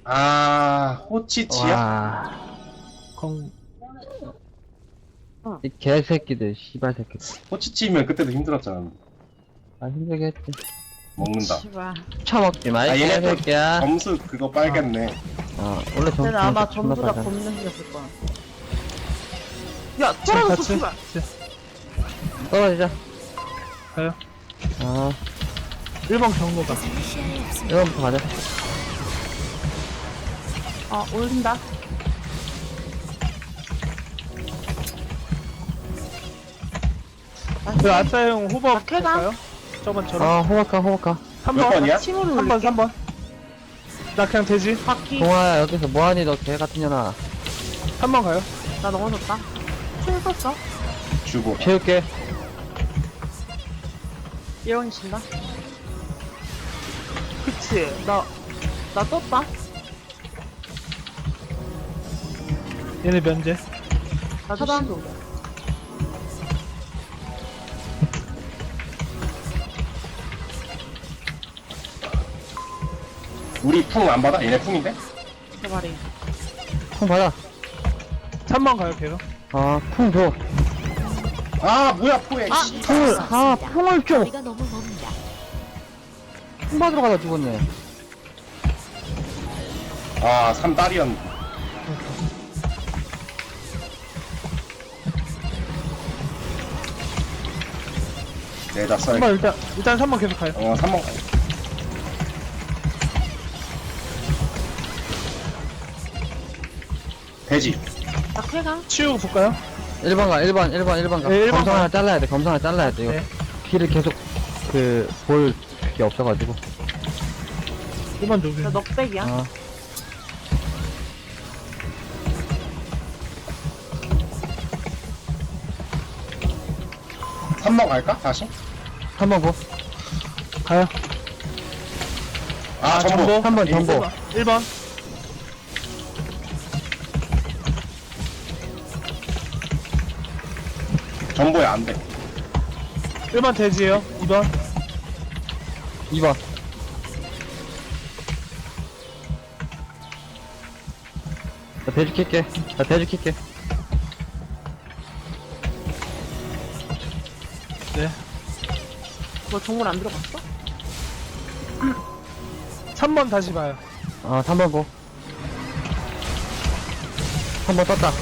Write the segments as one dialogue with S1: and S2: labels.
S1: 아, 호치치야?
S2: 와,
S3: 공.
S2: 이 개새끼들, 씨발 새끼들.
S1: 호치치면 그때도 힘들었잖아.
S2: 아, 힘들게 했지.
S1: 먹는다.
S4: 씨발.
S2: 처먹지 마, 이
S1: 아, 얘네 또
S2: 개새끼야.
S1: 점수 그거 빨겠네.
S2: 원래 점수
S4: 근데 아마
S2: 존나
S4: 전부 다
S2: 빨라.
S4: 겁나 생겼을 거야. 야, 떨어졌어, 씨발.
S2: 떨어지자.
S3: 가요. 1번 경로다.
S2: 이거부터 가자.
S4: 올린다.
S3: 그 아싸형 호박
S4: 박해가?
S3: 볼까요? 저번처럼.
S2: 호박가.
S3: 3번.
S1: 몇 번이야?
S4: 침으로
S3: 3번,
S4: 올릴게.
S3: 3번. 나 그냥 되지.
S4: 바퀴.
S2: 동아야, 여기서 뭐하니, 너 개같은 년아.
S3: 3번 가요.
S4: 나 넘어졌다. 총 썼어.
S1: 주고.
S2: 채울게.
S4: 1원이 친다. 그치. 나 떴다.
S3: 얘네 면제.
S4: 나도
S5: 차단.
S4: 시도.
S1: 우리 풍 안 받아? 얘네 풍인데?
S4: 내 말이.
S2: 풍 받아.
S3: 3번 가요, 걔가.
S2: 풍 줘.
S1: 아, 뭐야, 포에. 씨.
S2: 풍을 줘.
S5: 거리가 너무 멉니다.
S2: 풍 받으러 가다 죽었네.
S1: 아, 3달이었는데. 내다 써야
S3: 3번 일단 3번 계속 가요.
S1: 3번. 돼지.
S4: 박해가?
S3: 치우고 볼까요?
S2: 1번 가.
S3: 네, 1번
S2: 검성 하나
S3: 가.
S2: 잘라야 돼. 검성 하나 잘라야 돼. 이거
S3: 네.
S2: 피를 계속, 볼 그게 없어가지고.
S3: 1번 누구?
S4: 나 넉백이야.
S2: 어.
S1: 삼 번 갈까? 다시?
S2: 3번 고.
S3: 가요.
S1: 아, 전보.
S2: 3번 전보.
S3: 1번.
S1: 전보에 안 돼.
S3: 1번 돼지예요. 2번.
S2: 2번. 나 대주 킬게.
S3: 네.
S4: 너 정물 안 들어갔어?
S3: 3번 다시 봐요.
S2: 3번 고. 3번 떴다.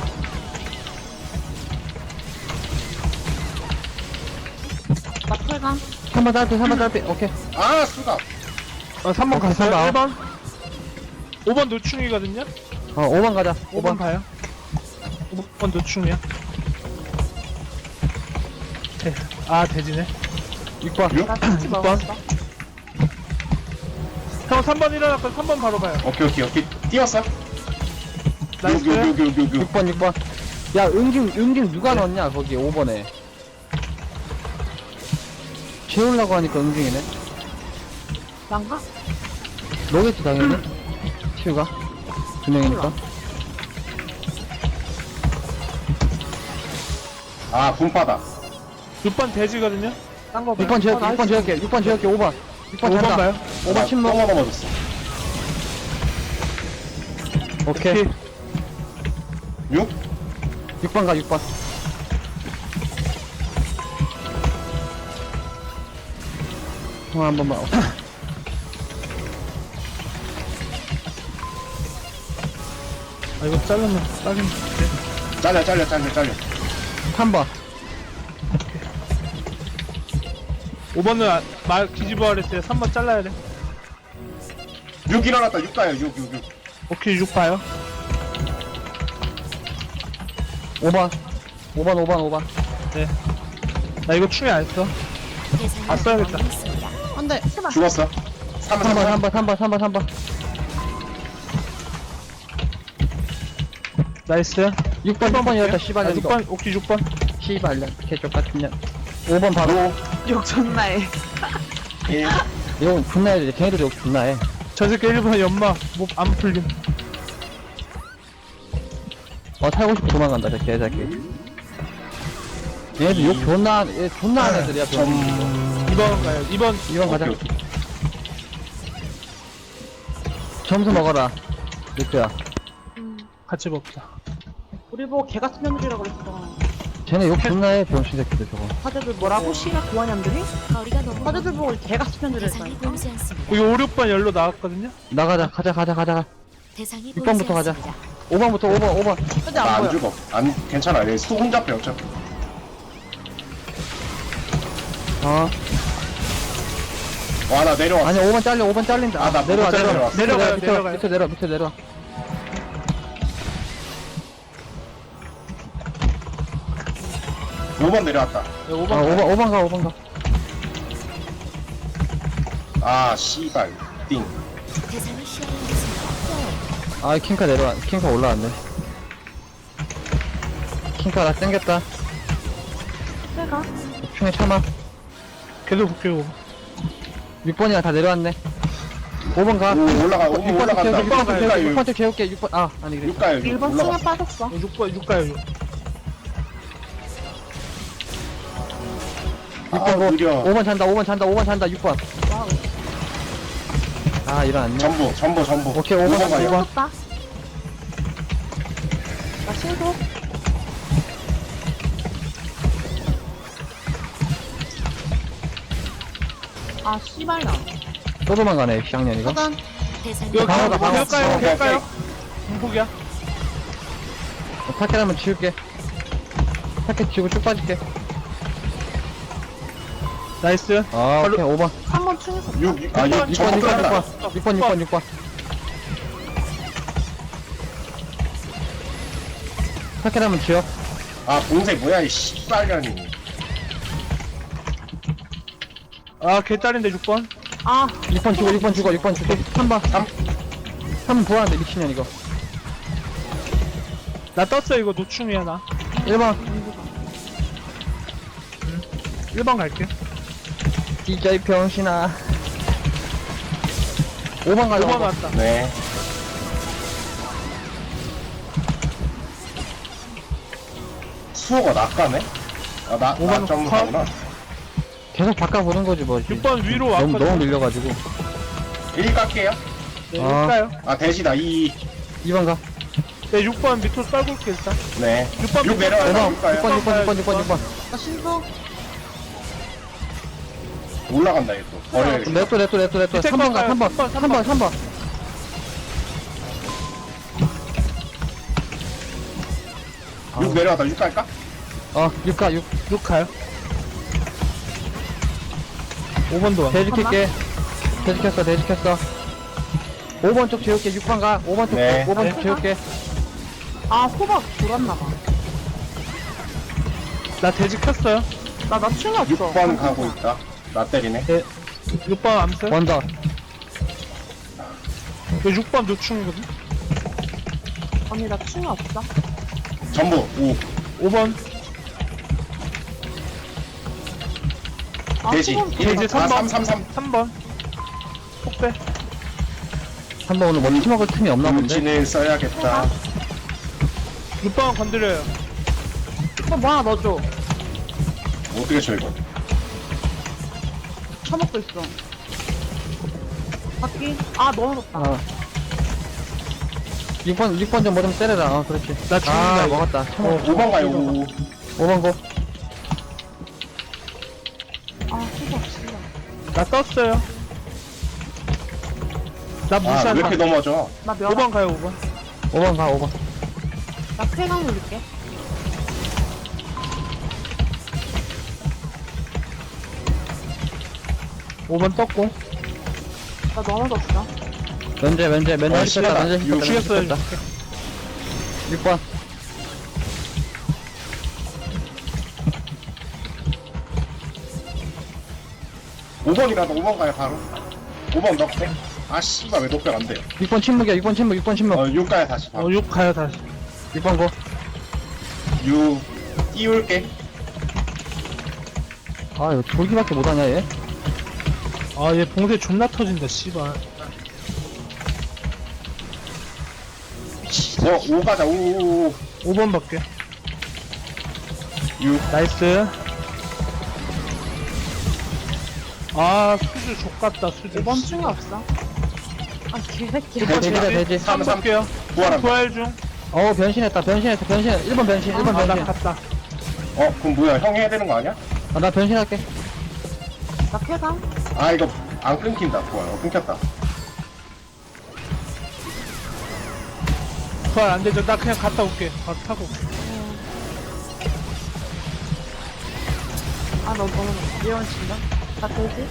S4: 박해가?
S2: 3번 딸피. 오케이.
S1: 아, 수갑.
S3: 3번 갔어요.
S2: 3번.
S3: 1번. 5번 노충이거든요.
S2: 5번 가자.
S3: 5번 가요. 5번 노충이야. 돼지네.
S2: 6번.
S1: 6?
S4: 나 같이 먹었어.
S3: 형 3번 일어났고 3번 바로 가요.
S1: 오케이. 띄웠어?
S3: 나이스.
S1: 6.
S2: 6번. 야, 응징 누가 넣었냐, 거기 5번에. 채우려고 하니까 응징이네.
S4: 난가?
S2: 너겠지, 당연히. 치우가. 2명이니까.
S1: 아, 분파다.
S3: 6번 돼지거든요. 딴 거 봐요.
S2: 6번 재울게, 6번 재울게, 5번. 6번
S3: 5번
S2: 잔다.
S3: 봐요.
S2: 5번 침묵.
S1: 똥 넘어졌어.
S2: 오케이.
S1: 6?
S2: 6번 가, 6번. 통화 한 번만.
S3: 이거 잘라면 딱인데.
S1: 잘려.
S2: 3번.
S3: 5번은 말 뒤집어 하랬어요. 3번 잘라야 돼.
S1: 6 일어났다. 6 가요. 6.
S3: 오케이 6 봐요.
S2: 5번. 5번.
S3: 네. 나 이거 충이 안 써. 아, 써야겠다.
S4: 안 돼. 제발.
S1: 죽었어.
S2: 3번.
S3: 나이스.
S2: 6번이었다, 씨발.
S3: 아,
S2: 이거.
S3: 6번. 오케이 6번.
S2: 씨발, 개쪽 같은 년. 5번 바로.
S4: 욕 존나 해.
S1: 1.
S2: 이거 존나 해야 돼. 걔네들도 욕 존나 해.
S3: 저 새끼 1번 연마. 뭐 안 풀림.
S2: 살고 싶어 도망간다, 저 개새끼. 얘네들 욕 존나 하는 애들이야, 좀.
S3: 2번 가요. 2번.
S2: 2번 가자.
S1: 오케이.
S2: 점수 먹어라. 리트야.
S3: 같이 먹자.
S5: 우리 보고 개 같은 년들이라고 그랬어.
S2: 쟤네 욕 존나 해, 병신 새끼들 저거.
S5: 사제들 뭐라고? 씨가 고환년들이?
S6: 거리가 너무
S5: 사제들 보고 개 같은 년들이랬어.
S6: 대상이 보이지 않습니다.
S3: 여기 5, 6번 열로 나왔거든요?
S2: 나가자, 가자.
S6: 대상이
S2: 6번부터
S6: 보이지
S2: 가자.
S6: 않습니다.
S2: 5번부터 5번.
S5: 사제
S1: 나
S5: 안
S1: 안
S5: 보여.
S1: 죽어. 안 괜찮아. 얘 수 혼자 빼 어차피.
S2: 어.
S1: 와 나 내려왔어.
S2: 아니 5번 잘려, 5번 잘린다.
S1: 아, 나
S2: 내려와,
S1: 못해,
S2: 내려와.
S1: 내려왔어.
S3: 내려가요.
S2: 밑에 내려와.
S1: 오 번 내려왔다.
S3: 네, 5번.
S2: 아, 5번 가.
S1: 아 씨발. 띵.
S6: 대상이 시야에 있습니다.
S2: 아, 킹카 올라왔네. 킹카 나 땡겼다.
S5: 내가?
S2: 충에 참아.
S3: 계속 볼게요.
S2: 6번이랑 다 내려왔네. 5번 가.
S1: 오 올라가. 오 올라간다.
S2: 6번 쪽 재울게. 6번. 아, 아니 그래.
S1: 6가요.
S5: 1번
S1: 올라가.
S5: 층에 빠졌어.
S3: 6번, 6가요, 6.
S1: 아
S2: 6번
S1: 느려.
S2: 5번 잔다. 6번.
S5: 와우.
S2: 아, 일어났네.
S1: 전부.
S2: 오케이, 5번
S1: 오번 가요.
S2: 가요.
S5: 신속다. 나 신속. 아, 씨발 나.
S2: 또 도망가네, 쌍년이가.
S5: 차단.
S6: 대상이
S3: 이거
S2: 방어다, 방어.
S3: 계속
S1: 오케이,
S3: 가요. 공폭이야.
S2: 타켓 한번 지울게. 타켓 지우고 쭉 빠질게.
S3: 나이스.
S2: 아, 오케이, 5번.
S5: 3번 층에서.
S1: 6. 아 6.
S2: 6번,
S1: 전부 끝났다.
S2: 6번. 타켓 한번 지워.
S1: 아 봉쇄 뭐야 이 씨발년이.
S3: 아, 개딸인데 6번.
S5: 아,
S2: 6번 죽어. 3번. 3번 부활한데, 미친년 이거.
S3: 나 떴어, 이거 노충이야, 나.
S2: 1번.
S3: 1번 갈게.
S2: 진짜 이 병신아. 5번 가자.
S3: 5번 왔다.
S1: 네. 수호가 낚가네? 아나
S3: 오번
S1: 점사구나.
S2: 계속 바꿔보는 거지, 뭐.
S3: 6번 위로
S2: 너무
S3: 왔거든.
S2: 밀려가지고.
S1: 1 깎게요.
S3: 네,
S2: 아.
S3: 6가요.
S1: 아 대시다 2.
S2: 2번 가.
S3: 네, 6번 밑으로 떨굴게, 일단.
S1: 네.
S3: 6번
S1: 6 내려와요.
S2: 5번.
S1: 6 가요.
S2: 6번.
S5: 나 신속.
S1: 올라간다 얘 또. 버려야겠다.
S2: 냅둬.
S3: 밑에
S2: 3번 가,
S3: 가요.
S2: 3번. 3번. 아.
S1: 6 내려왔다. 6 갈까?
S2: 6 가, 6.
S3: 6 가요. 5번도 와.
S2: 대지킬게. 대지켰어. 5번 쪽 재울게. 6번 가. 5번 쪽,
S1: 네.
S2: 5번 쪽 재울게.
S5: 아, 호박 돌았나봐.
S3: 나 돼지 켰어요.
S5: 나 층에 없어.
S1: 6번 가고 있다. 나 때리네.
S3: 6번 암수.
S2: 원더.
S3: 이거 6번 노충이거든.
S5: 언니, 나 층에 없어.
S1: 전부 5.
S3: 5번.
S5: 아,
S1: 돼지.
S5: 수건
S1: 1.
S3: 돼지
S1: 아
S3: 3번.
S1: 3.
S3: 3번. 폭배.
S2: 3번 오늘 멀티 먹을 틈이 없나 본데?
S1: 물진을 써야겠다.
S3: 6번 건드려요.
S5: 뭐 하나 넣어줘.
S1: 어떻게 쳐 이거?
S5: 처먹고 있어. 바퀴. 아, 넣어줬다.
S2: 6번 좀 뭐 좀 때려라. 그렇지.
S3: 나 죽는다,
S2: 아,
S3: 이거.
S2: 먹었다.
S1: 5번 가요. 5.
S2: 5번 고.
S5: 아, 호박, 씨발.
S3: 나 떴어요. 나
S1: 아 왜
S3: 무시한
S1: 이렇게 넘어져?
S5: 나 몇?
S3: 5번 가요, 5번.
S2: 5번 가, 5번.
S5: 나 쾌강 올릴게.
S3: 오 번 떴고.
S5: 나 넘어졌어.
S2: 면제
S1: 어,
S2: 씹혔다.
S1: 씨발.
S2: 면제
S1: 이거
S3: 죽였어요.
S2: 씹혔다. 6번.
S1: 오 5번이라도 5번 가요 바로. 5번 넉백. 아 씨발 왜 넉백 안 돼요?
S2: 6번 침묵이야. 6번 침묵.
S1: 6 가요 다시 바로.
S3: 6 가요, 다시.
S2: 6번 고.
S1: 6 띄울게.
S2: 아, 이거 돌기밖에 못하냐, 얘?
S3: 아, 얘 봉쇄 존나 터진다, 씨발.
S1: 5 가자. 5.
S3: 5번 밖에.
S1: 6.
S3: 나이스. 아, 수주 족같다, 수주.
S5: 5번 층에 없어. 아, 개새끼.
S2: 돼지다, 돼지.
S3: 3 볼게요.
S1: 부활한다.
S3: 부활 중.
S2: 변신했다, 변신했어, 변신. 1번 변신, 1번
S3: 아, 나
S2: 변신.
S3: 갔다.
S1: 그럼 뭐야? 형 해야 되는 거 아니야?
S2: 아, 나 변신할게.
S5: 나 쾌감?
S1: 아, 이거 안 끊긴다. 부활. 끊겼다.
S3: 부활 안 되죠. 나 그냥 갔다 올게. 바로 타고.
S5: 아, 너 너무 미연 친다. 나 돼지?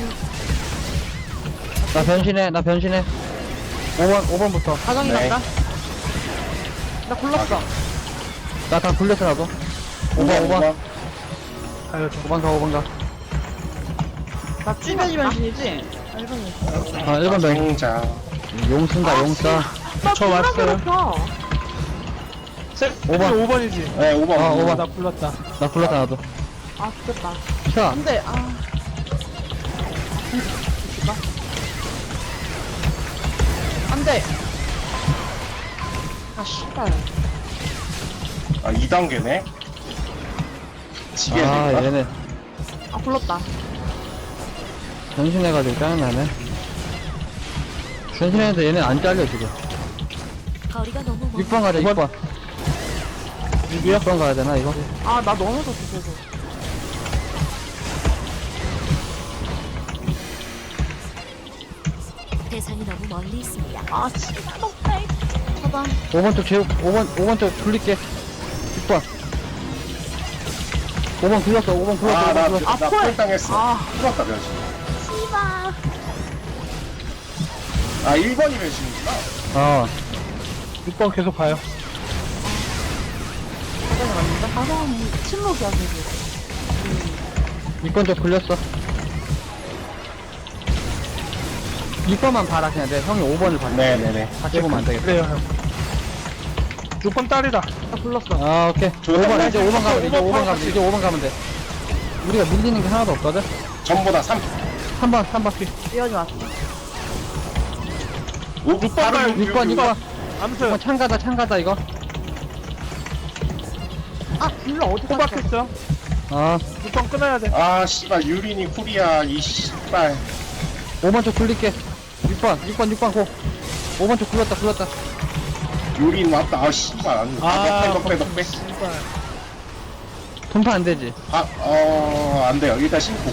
S2: 나 변신해. 5번부터.
S5: 사정이
S1: 네.
S5: 난다. 나 굴렀어.
S2: 나 다 굴렸어, 나도. 5번.
S3: 가요, 저.
S2: 5번 가, 5번 가.
S5: 나 쭈변이 변신이지? 아, 1번이.
S2: 1번 변신.
S1: 정자.
S2: 용 쓴다, 용 써.
S3: 저 왔어요.
S5: 괴롭혀.
S2: 5번.
S3: 5번이지.
S1: 네, 5번.
S2: 아, 5번.
S3: 나 불렀다.
S2: 나 굴렀다, 나도.
S5: 아, 죽겠다.
S2: 자,
S5: 안 돼, 아. 안 돼. 아, 씨발.
S1: 아, 2단계네. 지게
S2: 아,
S1: 될까?
S2: 얘네.
S5: 아, 굴렀다.
S2: 변신해가지고 짜증나네. 변신했는데 얘네 안 잘려, 지금.
S6: 거리가 너무 멀
S2: 6번 가자, 6번. 6번 가야 되나, 이거?
S5: 아, 나 넘어졌어, 계속.
S6: 대상이 너무 멀리 있습니다.
S5: 아, 진짜 너무 차단.
S2: 5번 쪽 제육, 5번 쪽 굴릴게. 6번. 5번 굴렸어, 5번 굴렸어,
S1: 아,
S2: 5번
S1: 나,
S2: 굴렸어.
S1: 나 폴 당했어.
S5: 아.
S1: 풀었다, 변신.
S5: 씨발.
S1: 아, 1번이 변신이구나.
S2: 어.
S3: 6번 계속 가요.
S5: 사정이 맞는다? 사정이 침묵이야, 계속.
S2: 6번 쪽 굴렸어. 6번만 봐라, 그냥. 내 형이 5번을 봐.
S1: 네네네.
S2: 같이 보면 안 되겠다.
S3: 그래요, 형. 6번 딸이다.
S5: 나 굴렀어.
S2: 아, 오케이.
S1: 좋다.
S2: 5번, 이제 5번 가면 돼, 이제 5번
S3: 5번
S2: 가면 돼, 이제 5번 가면 돼. 우리가 밀리는 게 하나도 없거든?
S1: 전보다 3.
S2: 3번.
S5: 미연이 왔어.
S1: 6번
S3: 가요.
S2: 6번.
S3: 아무튼
S2: 6번 창가다, 이거.
S5: 아, 굴러 어디 갔어?
S3: 호박했어.
S2: 어.
S3: 6번 끊어야 돼.
S1: 아, 씨발, 유린이 쿨이야. 이 씨발.
S2: 5번 쪽 굴릴게. 6번 고. 5번 쪽 굴렸다.
S1: 유린 왔다. 아, 씨발. 안 돼. 넉배.
S3: 씨발.
S2: 분파 안 되지.
S1: 안 돼요. 일단 신고.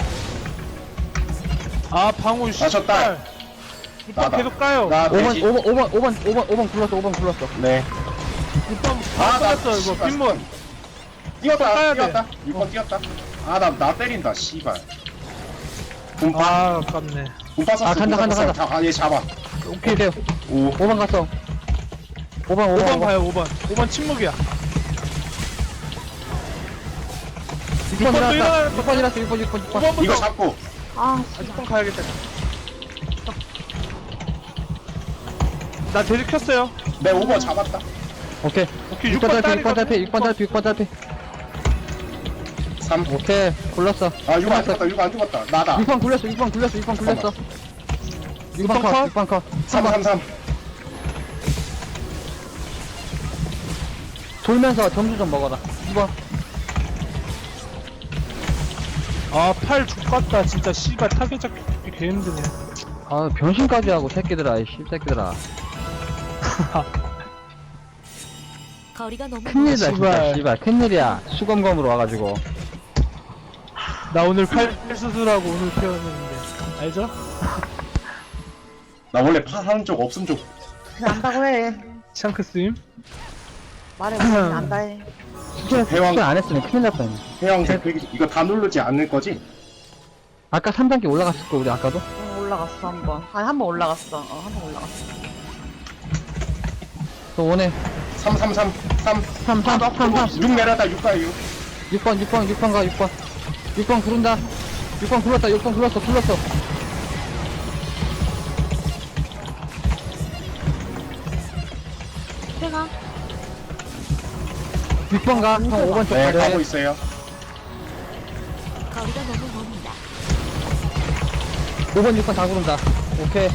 S3: 아, 방울
S1: 아, 저 딸.
S3: 6번
S1: 나다.
S3: 계속 가요.
S1: 나 돼지.
S2: 5번 굴렀어.
S1: 네.
S3: 6번
S1: 아, 나
S3: 끊었어, 이거.
S1: 씨발.
S3: 빈문.
S1: 뛰었다.
S3: 돼.
S1: 6번 뛰었다. 아, 나 때린다. 씨발. 분파.
S3: 아, 아깝네.
S1: 분파 썼어.
S2: 아, 간다.
S1: 얘 잡아.
S2: 오케이, 돼요.
S1: 오.
S2: 5번 갔어. 5번
S3: 5번 가요, 5번. 5번 침묵이야.
S2: 6번
S3: 또
S2: 일어났다.
S3: 일어날
S2: 6번.
S3: 5번부터.
S1: 이거 잡고.
S5: 아,
S3: 6번 가야겠다. 나 돼지 켰어요.
S1: 내 5번 잡았다.
S2: 오케이.
S3: 오케이,
S2: 6번
S3: 6번
S2: 달피. 6번 달피.
S1: 3.
S2: 오케이. 굴렀어.
S1: 아, 6안 죽었다. 6안 죽었다. 나다.
S2: 6번 굴렸어. 6번 굴렸어. 6번 컷. 6번 컷.
S1: 3.
S2: 돌면서 점수 좀 먹어라. 2번.
S3: 아, 팔 죽겠다. 진짜 씨발 타겟 잡기 개 힘드네.
S2: 아, 변신까지 하고 새끼들아. 이 씹새끼들아.
S6: 거리가 너무
S2: 큰일이다, 진짜.
S3: 씨발.
S2: 씨발. 큰일이야. 수검검으로 와가지고.
S3: 나 오늘 팔 수술하고 오늘 태어났는데. 알죠?
S1: 나 원래 파하는 쪽 없음 쪽.
S5: 그냥 안다고 해.
S3: 샹크 스님.
S5: 말해, 무슨 안다 해.
S1: 대왕
S2: 안 했으면 큰일 날 뻔했네.
S1: 해왕 이거 다 누르지 않을 거지?
S2: 아까 3단계 올라갔을 거, 우리 아까도?
S5: 응, 올라갔어, 한 번. 아니, 한 번 올라갔어. 한 번 올라갔어.
S2: 또 오네.
S1: 3. 6 내려다 6 가요 6.
S2: 6번 가, 6번. 6번 구른다. 6번 굴렀다, 6번 굴렀어.
S5: 쾌감?
S2: 6번 가. 형 5번 쪽
S1: 네,
S2: 가려.
S1: 가고 있어요.
S6: 거리가 너무 멉니다.
S2: 5번, 6번 다 구른다. 오케이.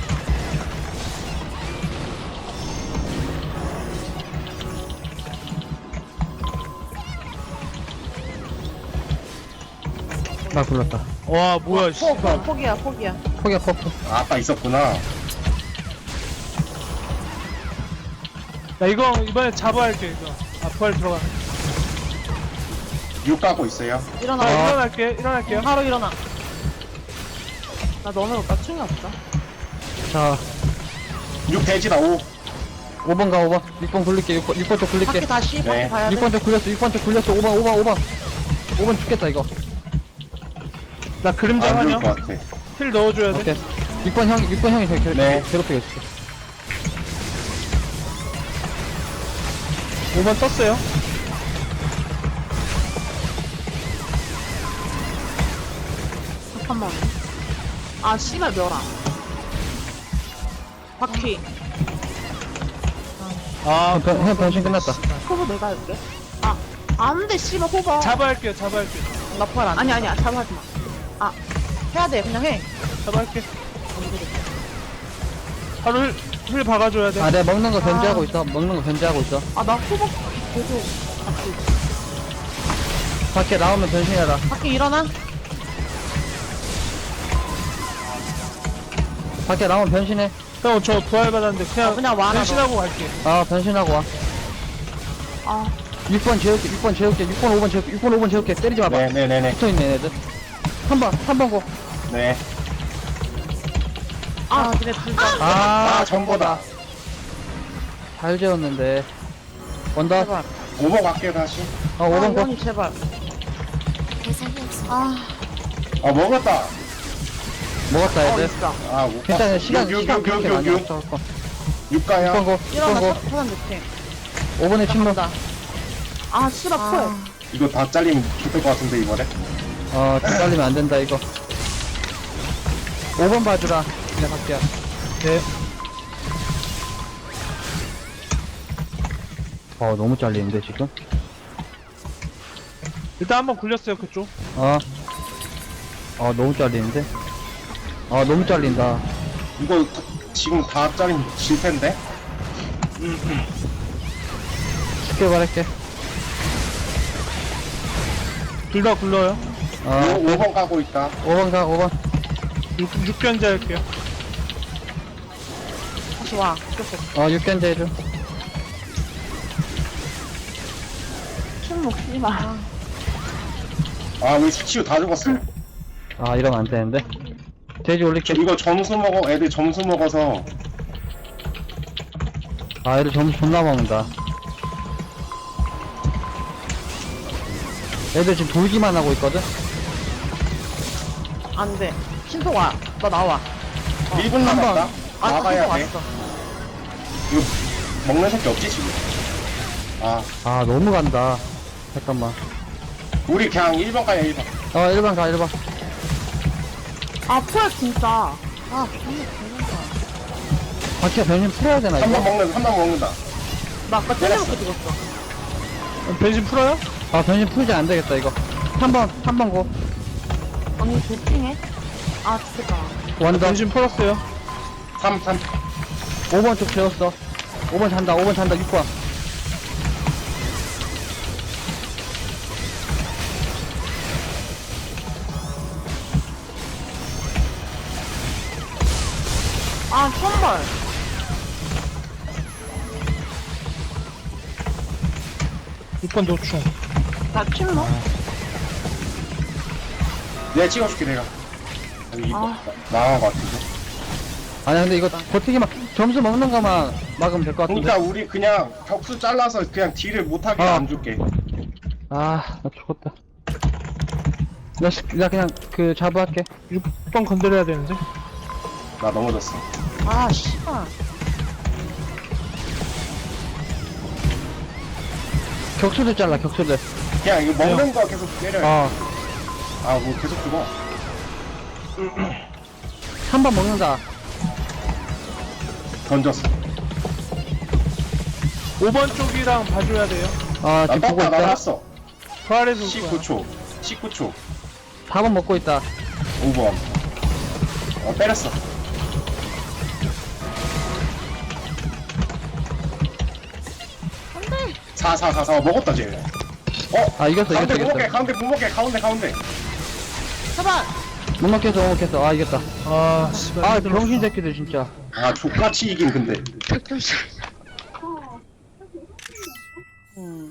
S2: 나 굴렀다.
S3: 와, 뭐야, 씨발.
S5: 포기야.
S2: 포기야, 포기.
S1: 아, 아까 있었구나.
S3: 나 이거 이번에 잡아야 할게 이거. 아 부활 들어가.
S1: 6 가고 있어요.
S5: 일어나.
S3: 일어날게요.
S5: 바로 일어나. 나 너무 나 충이 없어.
S2: 자
S1: 6 돼지다 5.
S2: 5번 가 5번 6번 굴릴게 6번 쪽 굴릴게
S5: 밖에 다시 밖에
S1: 네.
S5: 봐야 돼.
S2: 6번 쪽 굴렸어 6번 쪽 굴렸어 5번 죽겠다 이거
S3: 나 그림자
S1: 안
S3: 환영.
S1: 좋을 것 같아.
S3: 힐 넣어줘야 돼.
S2: 오케이 6번 형이 저기
S1: 네.
S2: 괴롭히고 있을게
S3: 5번 떴어요.
S5: 잠깐만. 아 씨발 멸아. 바퀴.
S3: 아
S2: 형 변신 끝났다
S5: 호버 내가 할게. 아 안돼 씨발 호버.
S3: 잡아야 할게요.
S5: 나 부활 안. 아니야 잡아하지 마. 아 해야 돼 그냥 해.
S3: 잡아할게. 바로 힐 박아줘야 돼.
S2: 아 내가 먹는 거 견제하고 있어
S5: 아 나 호버 계속.
S2: 밖에 나오면 변신해라
S5: 바퀴 일어나.
S2: 밖에 나오면 변신해
S3: 형 저 부활 받았는데
S5: 그냥 와라,
S3: 변신하고 갈게.
S2: 아 변신하고 와
S5: 아
S2: 6번 재울게 6번 5번 재울게 때리지 마봐
S1: 네네네네.
S2: 붙어있네 얘들 3번 고
S1: 네.
S5: 아, 그래 둘다.
S1: 아 전보다.
S2: 잘 재웠는데 원더
S5: 제발.
S1: 5번 갈게요 다시.
S2: 5번 고
S5: 원이 제발.
S6: 대상이 없습니다.
S5: 아
S1: 아 먹었다.
S2: 먹었다 얘들
S5: 있어.
S1: 아 못.
S2: 괜찮아 시간 그렇게 많이
S1: 6
S2: 없어
S1: 6 가요.
S2: 6번 고
S5: 일어나
S2: 6번 고
S5: 사람 느낌.
S2: 5번에 침묵
S5: 아 씨발 포.
S1: 이거 다 잘리면 죽을 것 같은데 이번에.
S2: 잘리면 안 된다 이거 5번 봐주라 그냥 갈게요
S3: 네.
S2: 너무 잘리는데 지금
S3: 일단 한번 굴렸어요 그쪽.
S2: 너무 잘리는데 너무 잘린다
S1: 이거 지금 다 잘리면 질 텐데.
S2: 쉽게 말할게
S3: 둘 다 굴러요.
S1: 5번 가고 있다.
S2: 5번 가 5번
S3: 6견제 할게요.
S5: 다시 와.
S2: 6견제 해줘
S5: 춤 먹지 마.
S1: 아 우리 수치우 다 죽었어요.
S2: 이러면 안 되는데 돼지 올릴게
S1: 이거 점수 먹어. 애들 점수 먹어서.
S2: 얘들 점수 존나 먹는다 애들 지금 돌기만 하고 있거든
S5: 안 돼. 신속 와. 너 나와.
S1: 1분 남았다.
S5: 아,
S1: 나가야
S5: 신속
S1: 돼.
S5: 왔어.
S1: 이거 먹는 새끼 없지 지금. 아
S2: 너무 간다 잠깐만
S1: 우리 그냥 1번 가요 1번.
S2: 1번 가 1번
S5: 아 포야 진짜. 아 존나 개난다.
S2: 바퀴가 변신 풀어야 되나
S1: 3번 먹는다.
S5: 나 아까
S1: 때렸어.
S5: 때려놓고 죽었어.
S3: 변신 풀어요?
S2: 변신 풀지 안 되겠다 이거 3번 고
S5: 언니 도핑해? 아 죽겠다.
S2: 원더
S3: 변신 풀었어요.
S1: 3
S2: 5번 쪽 재웠어 5번 잔다 6번
S5: 아 선발.
S3: 6번 도충.
S5: 나 침묵.
S1: 내가 찍어줄게 내가. 여기
S5: 아.
S1: 나간 것 같은데.
S2: 아니야 근데 이거 버티기만 점수 먹는 거만 막으면 될 것 같은데
S1: 그러니까 우리 그냥 격수 잘라서 그냥 딜을 못하게 안 줄게.
S2: 나 죽었다 나 그냥 자부할게
S3: 6번 건드려야 되는데.
S1: 나 넘어졌어.
S5: 아 씨발.
S2: 격수들 잘라 격수들
S1: 그냥 이거 먹는 거 계속 때려.
S2: 어
S1: 아 뭐 계속 죽어.
S2: 3번 먹는다
S1: 던졌어.
S3: 5번 쪽이랑 봐줘야 돼요.
S1: 나
S2: 지금 보고
S1: 떴다
S2: 있다
S1: 나갔어.
S3: 부활해서 올 거야.
S1: 19초. 19초.
S2: 4번 먹고 있다
S1: 5번. 때렸어.
S5: 안돼.
S1: 4 먹었다 쟤.
S2: 이겼어
S1: 가운데 못
S2: 이겼어
S1: 먹게 가운데 못 먹게 가운데.
S5: 제발.
S2: 못 먹겠어 이겼다
S3: 아 씨발.
S2: 병신 새끼들 진짜
S1: 아 족같이 이긴 근데.
S5: 음.